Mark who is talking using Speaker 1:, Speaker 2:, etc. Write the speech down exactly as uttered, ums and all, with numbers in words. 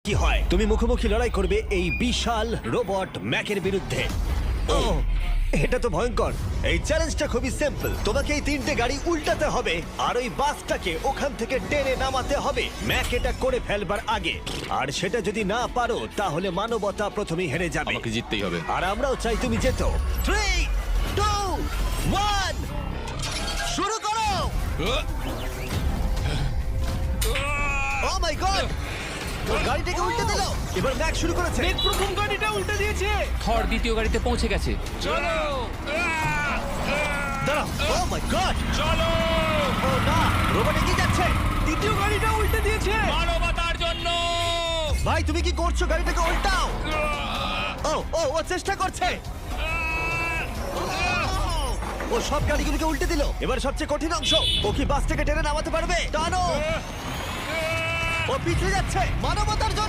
Speaker 1: কি হয়। তুমি মুখোমুখি লড়াই করবে এই বিশাল রোবট ম্যাকের বিরুদ্ধে। ও এটা তো ভয়ঙ্কর। এই চ্যালেঞ্জটা খুবই সিম্পল। তোমাকে এই তিনটে গাড়ি উল্টাতে হবে আর ওই বাসটাকে ওখান থেকে টেনে নামাতে হবে ম্যাক এটা করে ফেলবার আগে। আর সেটা যদি না পারো তাহলে মানবতা প্রথমেই হেরে যাবে।
Speaker 2: আমাকে জিততেই হবে।
Speaker 1: আর আমরাও চাই তুমি যেতো। থ্রি টু ওয়ান শুরু করো। ও মাই গড, গাড়িটাকে উল্টে দিল। এবার ম্যাক শুরু করেছে।
Speaker 3: প্রথম গাড়িটা উল্টে দিয়েছে।
Speaker 4: থর দ্বিতীয় গাড়িতে পৌঁছে গেছে।
Speaker 3: চলো
Speaker 1: দাঁড়াও। ও মাই গড,
Speaker 3: চলো,
Speaker 1: ও না, রোবট এগিয়ে যাচ্ছে।
Speaker 3: দ্বিতীয় গাড়িটা উল্টে দিয়েছে।
Speaker 2: মানবতার জন্য।
Speaker 1: ভাই তুমি কি করছো? গাড়িটাকে উল্টাও। ও ও ও চেষ্টা করছে। ও সব গাড়িগুলোকে উল্টে দিল। এবার সবচেয়ে কঠিন অংশ, ও কি বাস থেকে টেনে নামাতে পারবে? টানো। ও পিছলে যাচ্ছে। মানবতার জন্য